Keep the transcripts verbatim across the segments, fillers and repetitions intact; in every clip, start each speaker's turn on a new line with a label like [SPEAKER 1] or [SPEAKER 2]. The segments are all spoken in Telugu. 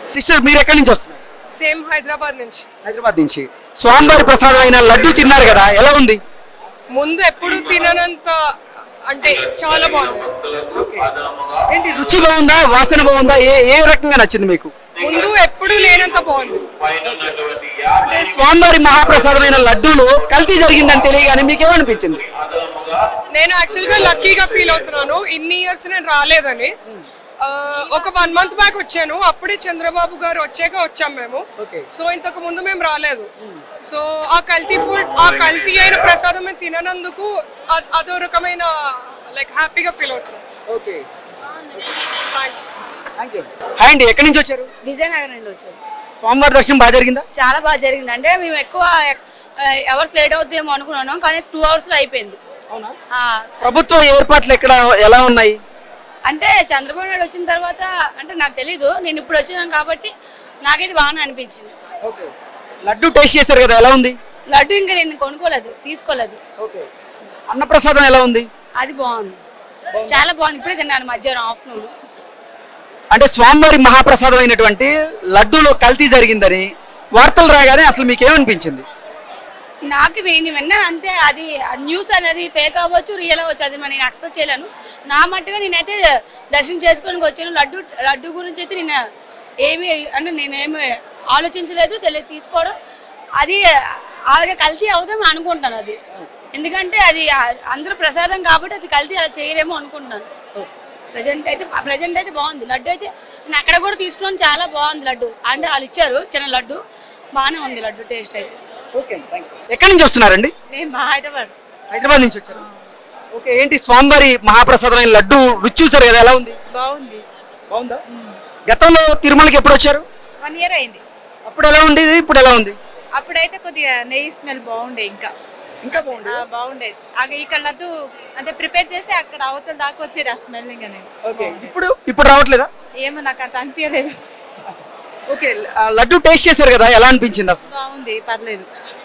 [SPEAKER 1] సిస్టర్ మీరు ఎక్కడి నుంచి వస్తున్నారు?
[SPEAKER 2] సేమ్ హైదరాబాద్ నుంచి.
[SPEAKER 1] హైదరాబాద్ నుంచి. స్వామివారి ప్రసాదం అయిన లడ్డు తిన్నారు కదా, ఎలా ఉంది?
[SPEAKER 2] ముందు ఎప్పుడు తిననంత అంటే చాలా బాగుంది.
[SPEAKER 1] ఏంటి రుచి బాగుందా, వాసన బాగుందా, ఏ ఏ రకంగా నచ్చింది మీకు?
[SPEAKER 2] ముందు ఎప్పుడు లేనంత బాగుంది.
[SPEAKER 1] అంటే స్వామివారి మహాప్రసాదమైన లడ్డూలో కల్తీ జరిగిందని తెలియగానే మీకు ఏమనిపించింది?
[SPEAKER 2] నేను యాక్చువల్గా లక్కీగా ఫీల్ అవుతున్నాను. ఇన్ని ఇయర్స్ నేను రాలేదని. ఆ, ఒక వన్ మంత్ బ్యాక్ వచ్చాను. అప్పుడే చంద్రబాబు గారు వచ్చాక వచ్చాం మేము. సో ఇంతకు ముందు మేము రాలేదు. సో ఆ కల్తీ ఫుడ్, ఆ కల్తీ అయిన ప్రసాదం మేము తిననందుకు అ- అదో రకమైన లైక్ హ్యాపీగా ఫీల్ అవుతున్నాం.
[SPEAKER 1] హాయ్ అండి, ఎక్కడి నుంచి వచ్చారు?
[SPEAKER 3] విజయనగరం నుండి వచ్చారు.
[SPEAKER 1] స్వామివారి దర్శనం బాగా జరిగిందా?
[SPEAKER 3] చాలా బాగా జరిగింది. అంటే మేము ఎక్కువ అవర్స్ లేట్ అవుతుందేమో అనుకున్నాను, కానీ టూ అవర్స్ లో అయిపోయింది. ఆ,
[SPEAKER 1] ప్రభుత్వ ఏర్పాట్లు ఎక్కడ ఎలా ఉన్నాయి?
[SPEAKER 3] అంటే చంద్రబాబు నాయుడు వచ్చిన తర్వాత అంటే నాకు తెలీదు, నేను ఇప్పుడు వచ్చినాను కాబట్టి నాకైతే బాగానే అనిపించింది.
[SPEAKER 1] లడ్డు టేస్ట్ చేశారు కదా, ఎలా ఉంది?
[SPEAKER 3] లడ్డు ఇంకా నేను కొనుక్కోలేదు, తీసుకోలేదు.
[SPEAKER 1] అన్నప్రసాదం ఎలా ఉంది?
[SPEAKER 3] అది బాగుంది, చాలా బాగుంది. ఇప్పుడే తిన్నాను మధ్యాహ్నం ఆఫ్టర్నూన్.
[SPEAKER 1] అంటే స్వామివారి మహాప్రసాదం అయినటువంటి లడ్డూలో కల్తీ జరిగిందని వార్తలు రాగానే అసలు మీకు ఏమనిపించింది?
[SPEAKER 3] నాకు నేను విన్నాను అంతే. అది న్యూస్ అనేది ఫేక్ అవ్వచ్చు, రియల్ అవ్వచ్చు, అది నేను ఎక్స్పెక్ట్ చేయలేను. నా మట్టుగా నేనైతే దర్శనం చేసుకోవడానికి వచ్చాను. లడ్డు లడ్డు గురించి అయితే నేను ఏమి అంటే నేనేమి ఆలోచించలేదు, తెలియదు తీసుకోవడం. అది అలాగే కల్తీ అవుతామని అనుకుంటాను. అది ఎందుకంటే అది అందరూ ప్రసాదం కాబట్టి అది కల్తీ అలా చేయలేమో అనుకుంటున్నాను. ప్రజెంట్ అయితే ప్రజెంట్ అయితే బాగుంది లడ్డు. అయితే నేను అక్కడ కూడా తీసుకున్నాను, చాలా బాగుంది లడ్డు. అంటే వాళ్ళు ఇచ్చారు చిన్న లడ్డు, బాగానే ఉంది లడ్డు టేస్ట్ అయితే.
[SPEAKER 1] ఎక్కడి నుంచి వస్తున్నారండి?
[SPEAKER 3] నేను మా హైదరాబాద్
[SPEAKER 1] హైదరాబాద్ నుంచి వచ్చారు. ఓకే, ఏంటి స్వామివారి మహాప్రసాదమైన లడ్డు రుచి చూసారు కదా, ఎలా ఉంది?
[SPEAKER 3] బాగుంది.
[SPEAKER 1] బాగుందా? గతంలో తిరుమలకి ఎప్పుడు వచ్చారు?
[SPEAKER 3] వన్ ఇయర్ అయింది.
[SPEAKER 1] అప్పుడు ఎలా ఉండేది, ఇప్పుడు ఎలా ఉంది?
[SPEAKER 3] అప్పుడైతే కొద్దిగా నెయ్యి స్మెల్ బాగుండే, ఇంకా
[SPEAKER 1] ఇంకా బాగుంది.
[SPEAKER 3] ఆ, బాగుండేది. అక్కడ ఇక్కడ లడ్డు అంటే ప్రిపేర్ చేసి అక్కడ అవతల దాకా వచ్చేది ఆ స్మెల్. ఇంకా నేను
[SPEAKER 1] ఓకే, ఇప్పుడు ఇప్పుడు రావట్లేదా?
[SPEAKER 3] ఏమో నాకు అంత అనిపించలేదు.
[SPEAKER 1] ఓకే, ఆ లడ్డు టేస్ట్ చేశారు కదా, ఎలా అనిపించింది అసలు?
[SPEAKER 3] బాగుంది, పర్లేదు.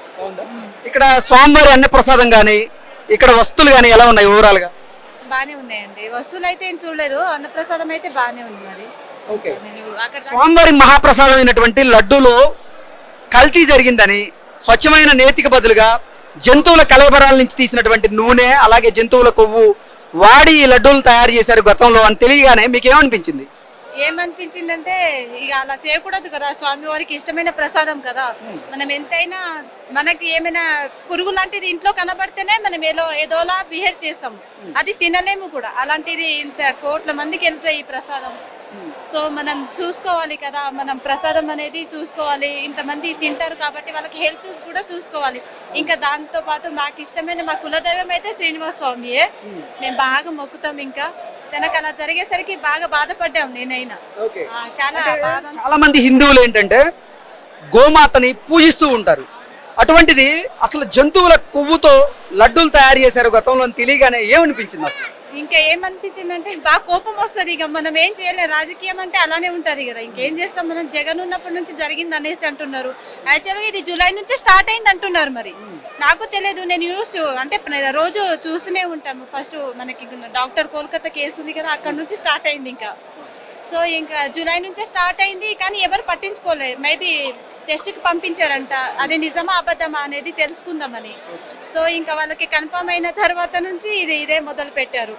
[SPEAKER 1] ఇక్కడ స్వామివారి అన్న ప్రసాదం కానీ ఇక్కడ వస్తువులు కానీ ఎలా ఉన్నాయి ఓవరాల్ గా?
[SPEAKER 3] బాగానే ఉన్నాయండి. వస్తువులు అయితే ఏం చూడలేదు, అన్నప్రసాదం అయితే బాగానే ఉంది. మరి
[SPEAKER 1] ఓకే,
[SPEAKER 3] నేను అక్కడ
[SPEAKER 1] స్వామివారి మహాప్రసాదం అయినటువంటి లడ్డూలో కల్తీ జరిగిందని స్వచ్ఛమైన నేతికి బదులుగా జంతువుల కళేబరాల నుంచి తీసినటువంటి నూనె అలాగే జంతువుల కొవ్వు వాడి ఈ లడ్డూలు తయారు చేశారు గతంలో అని తెలియగానే మీకు ఏమనిపించింది?
[SPEAKER 3] ఏమనిపించిందంటే ఇక అలా చేయకూడదు కదా, స్వామివారికి ఇష్టమైన ప్రసాదం కదా. మనం ఎంతైనా మనకి ఏమైనా పురుగు లాంటిది ఇంట్లో కనబడితేనే మనం ఏదో ఏదోలా బిహేవ్ చేస్తాం, అది తినలేము కూడా. అలాంటిది ఇంత కోట్ల మందికి వెళ్తే ఈ ప్రసాదం. సో మనం చూసుకోవాలి కదా, మనం ప్రసాదం అనేది చూసుకోవాలి. ఇంతమంది తింటారు కాబట్టి వాళ్ళకి హెల్త్ కూడా చూసుకోవాలి. ఇంకా దాంతో పాటు మాకు ఇష్టమైన మా కులదైవం అయితే శ్రీనివాస స్వామియే, మేము బాగా మొక్కుతాం. ఇంకా తనకు అలా జరిగేసరికి బాగా బాధపడ్డాం నేనైనా. ఆ, చాలా బాధ.
[SPEAKER 1] చాలా మంది హిందువులు ఏంటంటే గోమాతని పూజిస్తూ ఉంటారు. అటువంటిది అసలు జంతువుల కొవ్వుతో లడ్డూలు తయారు చేశారు గతంలో అని తెలియగానే ఏమనిపించింది అసలు?
[SPEAKER 3] ఇంకా ఏమనిపించిందంటే బాగా కోపం వస్తుంది. ఇక మనం ఏం చేయలేం, రాజకీయం అంటే అలానే ఉంటది కదా. ఇంకేం చేస్తాం మనం. జగన్ ఉన్నప్పటి నుంచి జరిగింది అనేసి అంటున్నారు. యాక్చువల్గా ఇది జూలై నుంచి స్టార్ట్ అయింది అంటున్నారు. మరి నాకు తెలియదు, నేను న్యూస్ అంటే రోజు చూస్తూనే ఉంటాము. ఫస్ట్ మనకి డాక్టర్ కోల్కతా కేసు ఉంది కదా, అక్కడ నుంచి స్టార్ట్ అయింది. ఇంకా సో ఇంకా జూలై నుంచే స్టార్ట్ అయింది, కానీ ఎవరు పట్టించుకోలేదు. మేబీ టెస్ట్కి పంపించారంట, అది నిజమా అబద్ధమా అనేది తెలుసుకుందామని. సో ఇంకా వాళ్ళకి కన్ఫర్మ్ అయిన తర్వాత నుంచి ఇది ఇదే మొదలు పెట్టారు.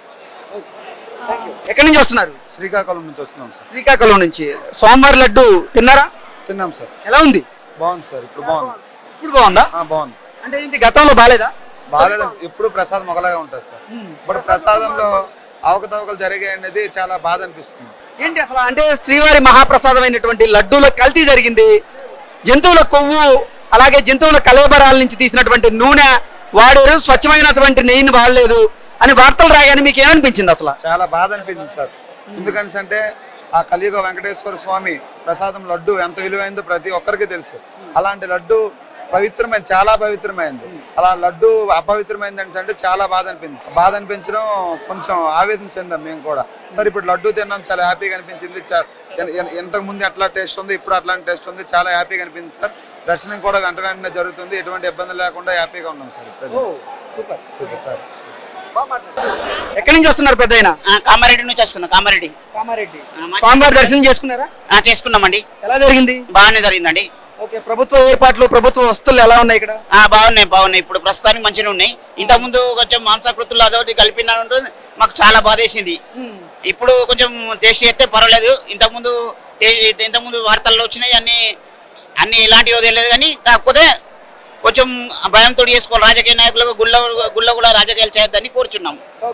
[SPEAKER 1] ఎక్కడి నుంచి వస్తున్నారు?
[SPEAKER 4] శ్రీకాకుళం నుంచి వస్తున్నాం సార్.
[SPEAKER 1] శ్రీకాకుళం నుంచి. స్వామివారి లడ్డు తిన్నారా?
[SPEAKER 4] తిన్నాం సార్.
[SPEAKER 1] ఎలా ఉంది?
[SPEAKER 4] బాగుంది సార్, ఇప్పుడు బాగుంది.
[SPEAKER 1] ఇప్పుడు బాగుందా?
[SPEAKER 4] ఆ, బాగుంది.
[SPEAKER 1] అంటే ఇది గతంలో బాగాలేదా?
[SPEAKER 4] బాగాలేదు, ఎప్పుడు ప్రసాదం ఒకలాగా ఉంటుంది సార్. ఇప్పుడు ప్రసాదంలో అవకతవకలు జరిగాయి అనేది చాలా బాధ అనిపిస్తుంది.
[SPEAKER 1] ఏంటి అసలు అంటే శ్రీవారి మహాప్రసాదం అయినటువంటి లడ్డూలో కల్తీ జరిగింది, జంతువుల కొవ్వు అలాగే జంతువుల కళేబరాల నుంచి తీసినటువంటి నూనె వాడారు, స్వచ్ఛమైనటువంటి నెయ్యిని వాడలేదు అని వార్తలు రాగానే మీకు ఏమనిపించింది అసలు?
[SPEAKER 4] చాలా బాధ అనిపించింది సార్. ఎందుకని అంటే ఆ కలియుగ వెంకటేశ్వర స్వామి ప్రసాదం లడ్డు ఎంత విలువైందో ప్రతి ఒక్కరికి తెలుసు. అలాంటి లడ్డు పవిత్రమైన, చాలా పవిత్రమైంది. అలా లడ్డు అపవిత్రమైంది అంటే చాలా బాధ అనిపించింది. బాధ అనిపించడం, కొంచెం ఆవేదన చెందాం మేము కూడా. సార్ ఇప్పుడు లడ్డు తిన్నాం, చాలా హ్యాపీగా అనిపించింది. ఇంతకు ముందు ఎట్లా టేస్ట్ ఉంది, ఇప్పుడు అట్లాంటి టేస్ట్ ఉంది, చాలా హ్యాపీగా అనిపించింది సార్. దర్శనం కూడా వెంట వెంటనే జరుగుతుంది, ఎటువంటి ఇబ్బంది లేకుండా హ్యాపీగా ఉన్నాం సార్. ఇప్పుడు సూపర్ సూపర్ సార్.
[SPEAKER 1] ఎక్కడి నుంచి వస్తున్నారు పెద్ద ఆయన?
[SPEAKER 5] ఆ, కామారెడ్డి నుంచి వస్తున్నా కామారెడ్డి
[SPEAKER 1] కామారెడ్డి.
[SPEAKER 5] ఆ, మా-
[SPEAKER 1] స్వామివారి దర్శనం చేసుకున్నారా?
[SPEAKER 5] ఆ, చేసుకున్నామండి.
[SPEAKER 1] ఎలా జరిగింది?
[SPEAKER 5] బాగానే జరిగిందండి.
[SPEAKER 1] ఓకే, ప్రభుత్వ ఏర్పాట్లు ప్రభుత్వ వస్తువులు ఎలా ఉన్నాయి ఇక్కడ?
[SPEAKER 5] ఆ, బాగున్నాయి బాగున్నాయి ఇప్పుడు ప్రస్తుతానికి మంచిగా ఉన్నాయి. ఇంతకుముందు కొంచెం మాంసాకృతులు అదొకటి కలిపిన ఉంటుంది, మాకు చాలా బాధేసింది. ఇప్పుడు కొంచెం టేస్ట్ చేస్తే పర్వాలేదు. ఇంతకుముందు టే- ఇంతకుముందు వార్తల్లో వచ్చినాయి అన్ని అన్ని ఇలాంటివి తెలియదు, కానీ కాకపోతే కొంచెం భయంతో చేసుకోవాలి. రాజకీయ నాయకులకు గుళ్ళ గుళ్ళ కూడా రాజకీయాలు చేయొద్దని కోరుచున్నాం.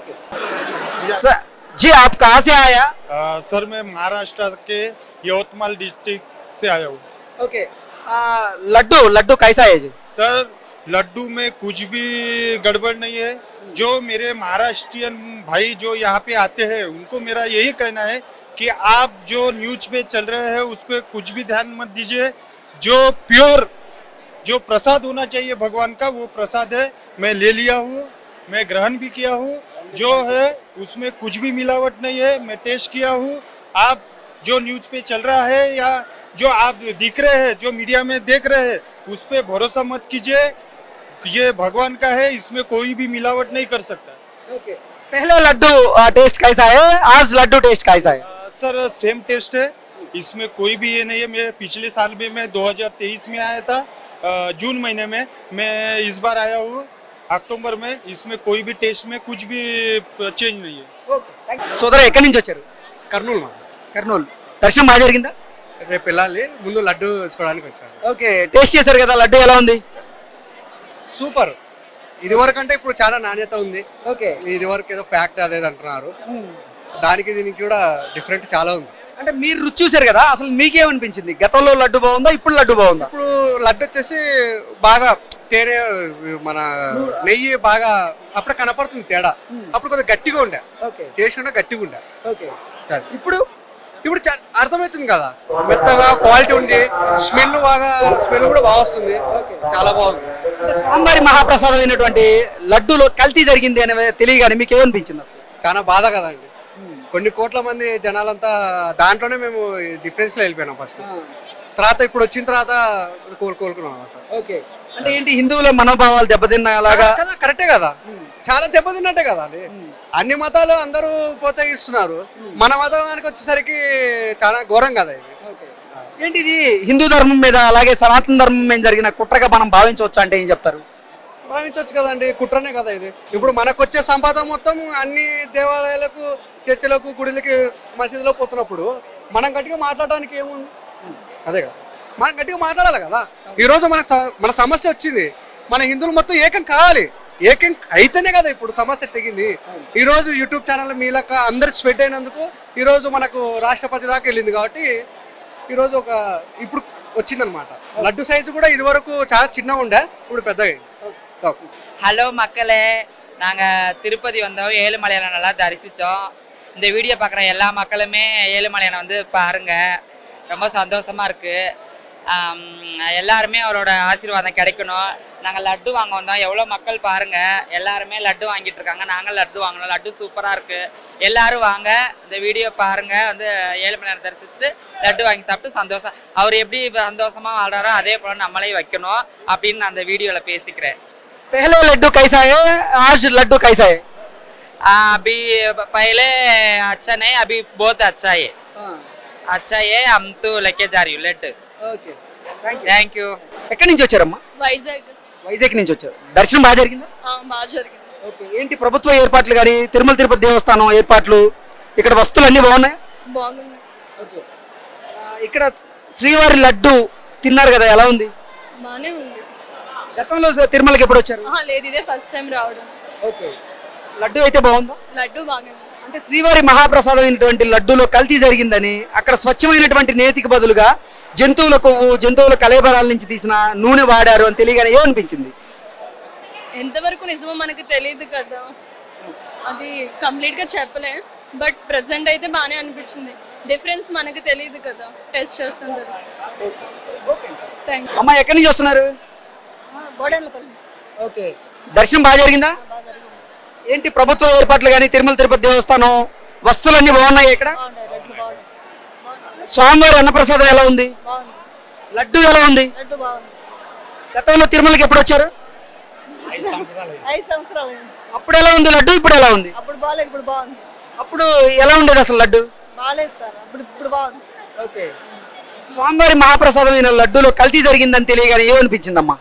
[SPEAKER 1] सर जी आप कहाँ से आया?
[SPEAKER 6] आ, सर मैं महाराष्ट्र के यवतमाल डिस्ट्रिक्ट से आया हूँ।
[SPEAKER 1] ओके, लड्डू लड्डू कैसा है जी?
[SPEAKER 6] सर लड्डू में कुछ भी गड़बड़ नहीं है। जो मेरे महाराष्ट्रियन भाई जो यहाँ पे आते हैं उनको मेरा यही कहना है कि आप जो न्यूज पे चल रहे हैं उस पर कुछ भी ध्यान मत दीजिए। जो प्योर जो प्रसाद होना चाहिए भगवान का वो प्रसाद है। मैं ले लिया हूँ, मैं ग्रहण भी किया हूँ। जो है उसमें कुछ भी मिलावट नहीं है, मैं टेस्ट किया हूँ। आप जो न्यूज पे चल रहा है या जो आप दिख रहे हैं, जो मीडिया में देख रहे हैं, उस पे भरोसा मत कीजिए। ये भगवान का है, इसमें कोई भी मिलावट नहीं कर सकता।
[SPEAKER 1] ओके, पहले लड्डू टेस्ट कैसा है, आज लड्डू टेस्ट कैसा है?
[SPEAKER 6] आ, सर सेम टेस्ट है, इसमें कोई भी ये नहीं है। मैं पिछले साल भी मैं दो हज़ार तेईस में आया था, आ, जून महीने में। मैं इस बार आया हूँ अक्टूबर में। इसमें कोई भी टेस्ट में कुछ भी चेंज नहीं है।
[SPEAKER 1] సోదర ఎక్కడి నుంచి వచ్చారు?
[SPEAKER 7] కర్నూలు మా
[SPEAKER 1] కర్నూలు. దర్శనం బాగా జరిగిందా?
[SPEAKER 7] రేపు వెళ్ళాలి, ముందు లడ్డు వేసుకోవడానికి వచ్చాను.
[SPEAKER 1] ఓకే, టేస్ట్ చేశారు కదా, లడ్డు ఎలా ఉంది?
[SPEAKER 7] సూపర్. ఇది వరకు అంటే ఇప్పుడు చాలా నాణ్యత ఉంది.
[SPEAKER 1] ఓకే,
[SPEAKER 7] ఇది వరకు ఏదో ఫ్యాక్ట్ అదేది అంటున్నారు, దానికి దీనికి కూడా డిఫరెంట్ చాలా ఉంది.
[SPEAKER 1] అంటే మీరు రుచి చూసారు కదా, అసలు మీకేమనిపించింది? గతంలో లడ్డు బాగుందా, ఇప్పుడు లడ్డు బాగుందా?
[SPEAKER 7] ఇప్పుడు లడ్డు వచ్చేసి బాగా తేనె, మన నెయ్యి బాగా అప్పుడు కనపడుతుంది తేడా. అప్పుడు కొద్దిగా గట్టిగా ఉండే,
[SPEAKER 1] ఓకే
[SPEAKER 7] చేసి ఉండే గట్టిగా ఉండే.
[SPEAKER 1] ఓకే,
[SPEAKER 7] అది.
[SPEAKER 1] ఇప్పుడు
[SPEAKER 7] ఇప్పుడు చా- అర్థమవుతుంది కదా, మెత్తగా క్వాలిటీ ఉంది, స్మెల్ బాగా స్మెల్ కూడా బాగా వస్తుంది, చాలా బాగుంది.
[SPEAKER 1] అంటే స్వామివారి మహాప్రసాదం అయినటువంటి లడ్డూలో కల్తీ జరిగింది అనే తెలియగానే మీకు ఏమనిపించింది అసలు?
[SPEAKER 7] చాలా బాధ కదండి. కొన్ని కోట్ల మంది జనాలంతా దాంట్లోనే మేము డిఫరెన్స్ లో వెళ్ళిపోయినాం ఫస్ట్. తర్వాత ఇప్పుడు వచ్చిన తర్వాత కోలు కోలుకున్నాం అనమాట.
[SPEAKER 1] ఓకే, అంటే ఏంటి, హిందువుల మనోభావాలు దెబ్బతిన్నా అలాగా?
[SPEAKER 7] కదా, కరెక్టే కదా, చాలా దెబ్బతిన్నట్టే కదా అండి. అన్ని మతాలు అందరూ ప్రోత్సహిస్తున్నారు, మన మతానికి వచ్చేసరికి చాలా ఘోరం కదా ఇది.
[SPEAKER 1] ఏంటి ఇది హిందూ ధర్మం మీద అలాగే సనాతన ధర్మం మీద జరిగిన కుట్రగా మనం భావించవచ్చు అంటే ఏం చెప్తారు?
[SPEAKER 7] భావించవచ్చు కదండి, కుట్రనే కదా ఇది. ఇప్పుడు మనకు వచ్చే సంపాద మొత్తం అన్ని దేవాలయాలకు, చర్చిలకు, గుడిలకి, మసీదులో పోతున్నప్పుడు మనం గట్టిగా మాట్లాడడానికి ఏముంది? అదే కదా, మనం గట్టిగా మాట్లాడాలి కదా. ఈరోజు మన స- మన సమస్య వచ్చింది, మన హిందువులు మొత్తం ఏకం కావాలి, ఏకం అయితేనే కదా ఇప్పుడు సమస్య తెగింది. ఈరోజు యూట్యూబ్ ఛానల్ మీలక అందరు స్ప్రెడ్ అయినందుకు ఈరోజు మనకు రాష్ట్రపతి దాకా వెళ్ళింది. కాబట్టి ఈరోజు ఒక ఇప్పుడు వచ్చిందనమాట. లడ్డు సైజు కూడా ఇది వరకు చాలా చిన్నగా ఉండే, ఇప్పుడు పెద్దగా.
[SPEAKER 8] ஹலோ மக்களே, நாங்கள் திருப்பதி வந்தோம், ஏழுமலையானை நல்லா தரிசித்தோம். இந்த வீடியோ பார்க்குற எல்லா மக்களுமே ஏழுமலையானை வந்து பாருங்கள், ரொம்ப சந்தோஷமாக இருக்குது. எல்லாருமே அவரோட ஆசீர்வாதம் கிடைக்கணும். நாங்கள் லட்டு வாங்க வந்தோம், எவ்வளோ மக்கள் பாருங்கள், எல்லாருமே லட்டு வாங்கிட்டு இருக்காங்க. நாங்கள் லட்டு வாங்கினோம், லட்டு சூப்பராக இருக்குது. எல்லோரும் வாங்க, இந்த வீடியோ பாருங்கள், வந்து ஏழுமலையானை தரிசிச்சுட்டு லட்டு வாங்கி சாப்பிட்டு சந்தோஷம், அவர் எப்படி சந்தோஷமாக வாழ்கிறாரோ அதே போல் நம்மளே வைக்கணும் அப்படின்னு நான் அந்த வீடியோவில் பேசிக்கிறேன்.
[SPEAKER 1] पहले लड्डू कैसा है, आज लड्डू कैसा है?
[SPEAKER 8] आ, अभी पहले अच्छा नहीं, अभी बहुत अच्छा है, अच्छा है. हम तो लेके जा रही हूँ लड्डू.
[SPEAKER 1] Okay,
[SPEAKER 8] thank you.
[SPEAKER 1] ఎక్కడి నుంచి వచ్చారమ్మా?
[SPEAKER 2] వైజాగ్.
[SPEAKER 1] వైజాగ్ నుంచి వచ్చారు. దర్శనం బాగా జరిగిందా?
[SPEAKER 2] బాగా జరిగింది.
[SPEAKER 1] ఓకే, ఏంటి ప్రభుత్వ ఏర్పాట్లు కానీ తిరుమల తిరుపతి దేవస్థానం ఏర్పాట్లు, ఇక్కడ వస్తువులు అన్నీ బాగున్నాయి?
[SPEAKER 2] బాగుంది.
[SPEAKER 1] ఓకే, ఇక్కడ శ్రీవారి లడ్డు తిన్నారు కదా, ఎలా ఉంది?
[SPEAKER 2] బాగానే ఉంది.
[SPEAKER 1] గతంలో తిరుమలకి ఎప్పుడు వచ్చారు?
[SPEAKER 2] లేదు, ఇదే ఫస్ట్ టైం రావడం.
[SPEAKER 1] ఓకే, లడ్డు అయితే బాగుందా?
[SPEAKER 2] లడ్డు బాగానే.
[SPEAKER 1] అంటే శ్రీవారి మహాప్రసాదం అయినటువంటి లడ్డూలో కల్తీ జరిగిందని అక్కడ స్వచ్ఛమైనటువంటి నేతికి బదులుగా జంతువుల కొవ్వు, జంతువుల కలేబరాల నుంచి తీసిన నూనె వాడారు అని తెలియగానే ఏమనిపించింది?
[SPEAKER 2] ఎంతవరకు నిజమో మనకు తెలియదు కదా, అది కంప్లీట్ గా చెప్పలే. బట్ ప్రెసెంట్ అయితే బాగానే అనిపించింది. డిఫరెన్స్ మనకు తెలియదు కదా, టెస్ట్ చేస్తాం తెలుసు. Thank you.
[SPEAKER 1] అమ్మ ఎక్కడి నుంచి వస్తున్నారు?
[SPEAKER 3] బోడెన్లపల్లి నుంచి.
[SPEAKER 1] ఓకే, దర్శనం బాగా జరిగిందా? ఏంటి ప్రభుత్వ ఏర్పాట్లు కానీ తిరుమల తిరుపతి దేవస్థానం వస్తువులన్నీ బాగున్నాయి ఇక్కడ? స్వామివారి అన్నప్రసాదం ఎలా ఉంది? లడ్డు ఎలా ఉంది? గతంలో తిరుమలకి ఎప్పుడు వచ్చారు?
[SPEAKER 3] ఐదు సంవత్సరాలు.
[SPEAKER 1] అప్పుడు ఎలా ఉంది లడ్డు, ఇప్పుడు ఎలా ఉంది?
[SPEAKER 9] అప్పుడు బాగాలేదు, ఇప్పుడు బాగుంది.
[SPEAKER 1] అప్పుడు ఎలా ఉండేది అసలు లడ్డు?
[SPEAKER 9] బాగాలేదు సార్, అప్పుడు ఇప్పుడు బాగుంది.
[SPEAKER 1] ఓకే. స్వామివారి మహాప్రసాదమైన లడ్డూలో కల్తీ జరిగిందని తెలియగానే ఏమనిపించిందమ్మా?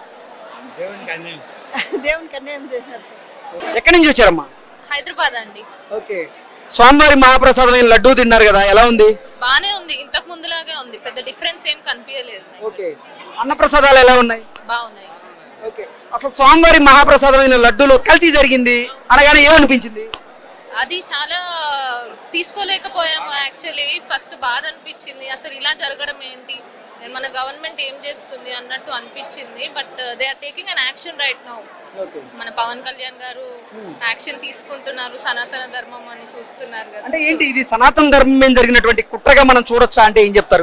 [SPEAKER 9] దేవునికి అన్యాయం చేసినారు సార్.
[SPEAKER 1] ఎక్కడి నుంచి వచ్చారమ్మా?
[SPEAKER 10] హైదరాబాద్ అండి.
[SPEAKER 1] ఓకే. స్వామివారి మహాప్రసాదమైన లడ్డూ తిన్నారు కదా, ఎలా ఉంది?
[SPEAKER 10] బానే ఉంది, ఇంతకు ముందులాగే ఉంది, పెద్ద డిఫరెన్స్ ఏం కనిపించలేదు.
[SPEAKER 1] ఓకే. అన్నప్రసాదాలు ఎలా ఉన్నాయి?
[SPEAKER 10] బాగున్నాయి.
[SPEAKER 1] ఓకే. అసలు స్వామివారి మహాప్రసాదమైన లడ్డూలో కల్తీ జరిగింది అనగానే ఏమనిపించింది?
[SPEAKER 10] అది చాలా తీసుకోలేకపోయాము యాక్చువల్లీ. ఫస్ట్ బాధ అనిపించింది, అసలు ఇలా జరగడం ఏంటి, మన గవర్నమెంట్ ఏం చేస్తుంది అన్నట్టు అనిపించింది. But they are taking an action right now. మన పవన్ కళ్యాణ్ గారు యాక్షన్ తీసుకుంటున్నారు, సనాతన ధర్మం అని చూస్తున్నారు కదా.
[SPEAKER 1] అంటే ఏంటి ఇది సనాతన ధర్మం మీద జరిగినటువంటి కుట్రగా మనం చూడొచ్చా అంటే ఏం చెప్తారు?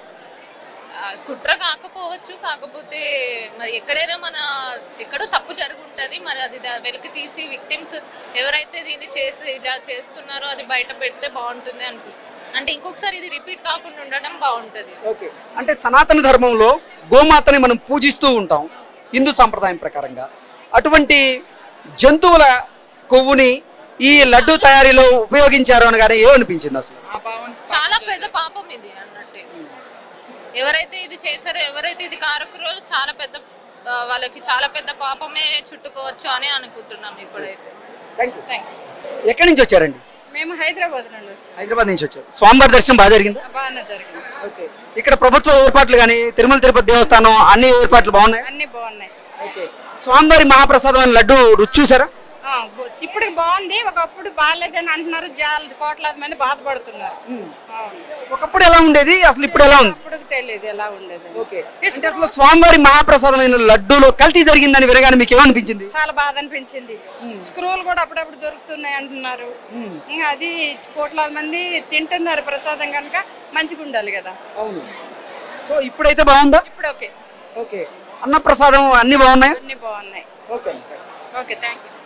[SPEAKER 10] కుట్ర కాకపోవచ్చు, కాకపోతే మరి ఎక్కడైనా మన ఎక్కడో తప్పు జరుగుంటది, మరి అది వెలికి తీసి విక్టిమ్స్ ఎవరైతే దీన్ని చేసి ఇలా చేస్తున్నారో అది బయట పెడితే బాగుంటుంది అనిపిస్తుంది. అంటే ఇంకొకసారి ఇది రిపీట్ కాకుండా ఉండడం బాగుంటది.
[SPEAKER 1] ఓకే. అంటే సనాతన ధర్మంలో గోమాతని మనం పూజిస్తూ ఉంటాం హిందూ సాంప్రదాయం ప్రకారంగా. అటువంటి జంతువుల కొవ్వుని ఈ లడ్డు తయారీలో ఉపయోగించారు అనగానే ఏమనిపించింది అసలు?
[SPEAKER 10] చాలా పెద్ద పాపం ఇది అన్నట్టే. ఎవరైతే ఇది చేశారో, ఎవరైతే ఇది కారకురో చాలా పెద్ద వాళ్ళకి చాలా పెద్ద పాపమే చుట్టుకోవచ్చు అని అనుకుంటున్నాం ఇప్పుడైతే. Thank you.
[SPEAKER 1] ఎక్కడి నుంచి వచ్చారండి?
[SPEAKER 3] మేము హైదరాబాద్ నుండి వచ్చాం.
[SPEAKER 1] హైదరాబాద్ నుంచి వచ్చారు. స్వామివారి దర్శనం బాగా జరిగిందా?
[SPEAKER 3] బాగానే జరిగింది.
[SPEAKER 1] ఓకే. ఇక్కడ ప్రభుత్వ ఏర్పాట్లు కానీ తిరుమల తిరుపతి దేవస్థానం అన్ని ఏర్పాట్లు బాగున్నాయి?
[SPEAKER 3] అన్ని బాగున్నాయి.
[SPEAKER 1] ఓకే. స్వామివారి మహాప్రసాదమైన లడ్డు రుచి చూసారా?
[SPEAKER 3] ఇప్పుడు బాగుంది, ఒకప్పుడు బాగాలేదని అంటున్నారు, జాల కోట్లాది మంది బాధపడుతున్నారు.
[SPEAKER 1] ఒకప్పుడు ఎలా ఉండేది, అసలు ఇప్పుడు ఎలా ఉంది?
[SPEAKER 3] ఇప్పుడు తెలియదు ఎలా ఉండేది.
[SPEAKER 1] ఓకే. అంటే అసలు స్వామివారి మహాప్రసాదమైన లడ్డూలో కల్తీ జరిగిందని వినగానే మీకు ఏమనిపించింది?
[SPEAKER 3] చాలా బాధ అనిపించింది. స్క్రూలు కూడా అప్పుడప్పుడు దొరుకుతున్నాయి అంటున్నారు, ఇంకా అది కోట్లాది మంది తింటున్నారు ప్రసాదం కనుక మంచిగా ఉండాలి కదా.
[SPEAKER 1] అవును. సో ఇప్పుడైతే బాగుందా?
[SPEAKER 3] ఇప్పుడు ఓకే.
[SPEAKER 1] ఓకే. అన్న ప్రసాదం అన్ని బాగున్నాయి?
[SPEAKER 3] అన్ని బాగున్నాయి.
[SPEAKER 1] ఓకే.
[SPEAKER 3] Okay, thank you.